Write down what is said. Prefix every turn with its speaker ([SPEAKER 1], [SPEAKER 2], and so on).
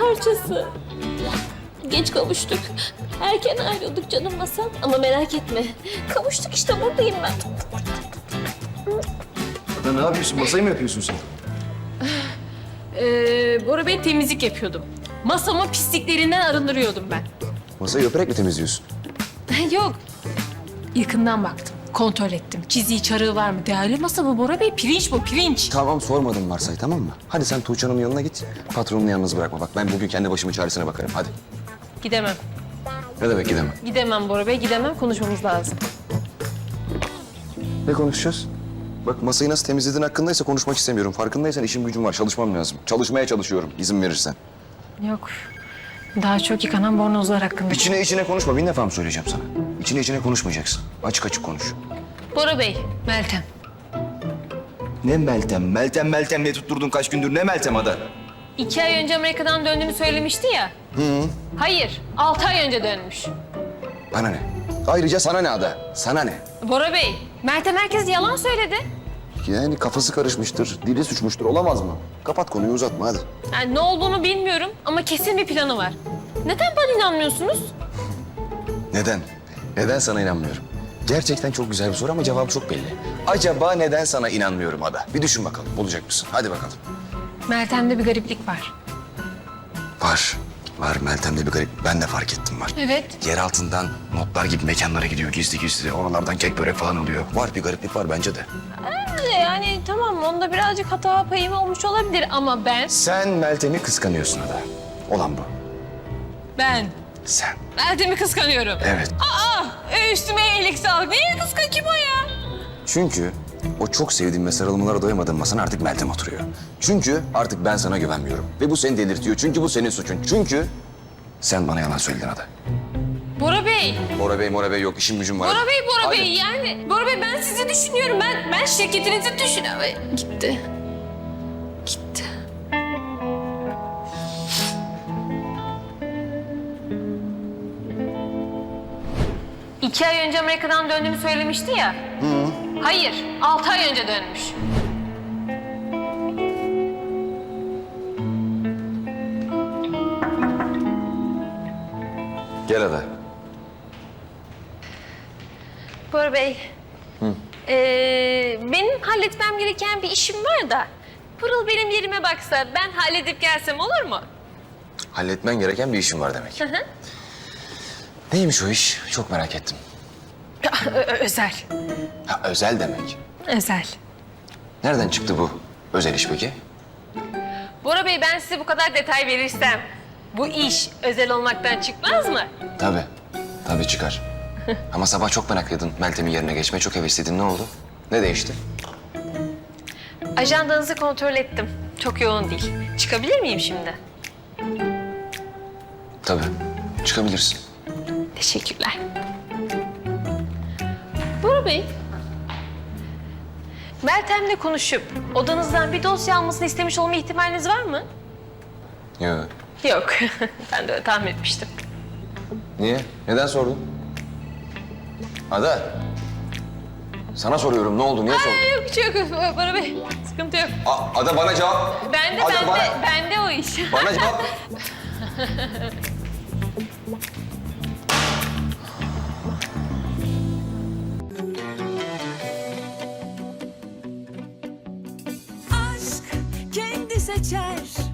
[SPEAKER 1] parçası. Geç kavuştuk. Erken ayrıldık canım masam. Ama merak etme. Kavuştuk işte, buradayım ben.
[SPEAKER 2] Ada ne yapıyorsun? Masayı mı yapıyorsun sen?
[SPEAKER 1] Bora Bey, temizlik yapıyordum. Masamı pisliklerinden arındırıyordum ben.
[SPEAKER 2] Masayı öperek mi temizliyorsun?
[SPEAKER 1] Yok. Yakından baktım. Kontrol ettim. Çiziği, çarığı var mı? Değerli masa bu Bora Bey. Pirinç bu, pirinç.
[SPEAKER 2] Tamam, sormadım varsay, tamam mı? Hadi sen Tuğçe Hanım'ın yanına git. Patronunu yalnız bırakma. Bak ben bugün kendi başımın çaresine bakarım. Hadi.
[SPEAKER 1] Gidemem.
[SPEAKER 2] Ne demek gidemem?
[SPEAKER 1] Gidemem Bora Bey, gidemem. Konuşmamız lazım.
[SPEAKER 2] Ne konuşacağız? Bak masayı nasıl temizlediğin hakkındaysa konuşmak istemiyorum. Farkındaysan işim gücüm var. Çalışmam lazım. Çalışmaya çalışıyorum izin verirsen.
[SPEAKER 1] Yok. Daha çok yıkanan bornozlar hakkında.
[SPEAKER 2] İçine konuşma. Bin defa mı söyleyeceğim sana? İçine konuşmayacaksın. Açık açık konuş.
[SPEAKER 1] Bora Bey, Meltem.
[SPEAKER 2] Ne Meltem? Meltem ne tutturdun kaç gündür? Ne Meltem Ada?
[SPEAKER 1] 2 ay önce Amerika'dan döndüğünü söylemişti ya. Hayır, 6 ay önce dönmüş.
[SPEAKER 2] Bana ne? Ayrıca sana ne Ada? Sana ne?
[SPEAKER 1] Bora Bey, Meltem herkes yalan söyledi.
[SPEAKER 2] Yani kafası karışmıştır, dili suçmuştur. Olamaz mı? Kapat konuyu, uzatma hadi.
[SPEAKER 1] Yani ne olduğunu bilmiyorum ama kesin bir planı var. Neden bana inanmıyorsunuz?
[SPEAKER 2] Neden? Neden sana inanmıyorum? Gerçekten çok güzel bir soru ama cevabı çok belli. Acaba neden sana inanmıyorum Ada? Bir düşün bakalım, bulacak mısın? Hadi bakalım.
[SPEAKER 1] Meltem'de bir gariplik var.
[SPEAKER 2] Var. Meltem'de bir garip. Ben de fark ettim var.
[SPEAKER 1] Evet.
[SPEAKER 2] Yer altından notlar gibi mekanlara gidiyor gizli. Oralardan kek börek falan oluyor. Var, bir gariplik var bence de.
[SPEAKER 1] Yani tamam, onda birazcık hata payım olmuş olabilir ama ben...
[SPEAKER 2] Sen Meltem'i kıskanıyorsun Ada. Olan bu.
[SPEAKER 1] Ben
[SPEAKER 2] Sen.
[SPEAKER 1] Meltem'i kıskanıyorum.
[SPEAKER 2] Evet.
[SPEAKER 1] Üstüme iyilik sağlık. Niye kıskan, kim o ya?
[SPEAKER 2] Çünkü o çok sevdiğim ve sarılmalara doyamadığım masana artık Meltem oturuyor. Çünkü artık ben sana güvenmiyorum. Ve bu seni delirtiyor. Çünkü bu senin suçun. Çünkü sen bana yalan söyledin Ada.
[SPEAKER 1] Bora Bey.
[SPEAKER 2] Bora Bey yok. İşim gücüm var.
[SPEAKER 1] Bora
[SPEAKER 2] Hadi.
[SPEAKER 1] Bey yani. Bora Bey, ben sizi düşünüyorum. Ben şirketinizi düşünüyorum. Gitti. 2 ay önce Amerika'dan döndüğümü söylemişti ya. Hayır, 6 ay önce dönmüş.
[SPEAKER 2] Gel Ada.
[SPEAKER 1] Bora Bey. Benim halletmem gereken bir işim var da... Pırıl benim yerime baksa, ben halledip gelsem olur mu?
[SPEAKER 2] Halletmen gereken bir işin var demek. Neymiş o iş? Çok merak ettim.
[SPEAKER 1] Özel.
[SPEAKER 2] Ha, özel demek.
[SPEAKER 1] Özel.
[SPEAKER 2] Nereden çıktı bu özel iş peki?
[SPEAKER 1] Bora Bey, ben size bu kadar detay verirsem... Bu iş özel olmaktan çıkmaz mı?
[SPEAKER 2] Tabii çıkar. Ama sabah çok meraklıydın Meltem'in yerine geçmeye. Çok hevesliydin. Ne oldu? Ne değişti?
[SPEAKER 1] Ajandanızı kontrol ettim. Çok yoğun değil. Çıkabilir miyim şimdi?
[SPEAKER 2] Tabii. Çıkabilirsin.
[SPEAKER 1] Teşekkürler. Bora Bey, Meltem'le konuşup odanızdan bir dosya almasını istemiş olma ihtimaliniz var mı?
[SPEAKER 2] Yok.
[SPEAKER 1] Yok. Ben de öyle tahmin etmiştim.
[SPEAKER 2] Niye? Neden sordun? Ada. Sana soruyorum. Ne oldu? Niye sordun?
[SPEAKER 1] Yok, bir şey yok Bora Bey. Sıkıntı yok.
[SPEAKER 2] Ada bana cevap. Ada,
[SPEAKER 1] Bende o iş.
[SPEAKER 2] Bana cevap.
[SPEAKER 3] Aşk kendi seçer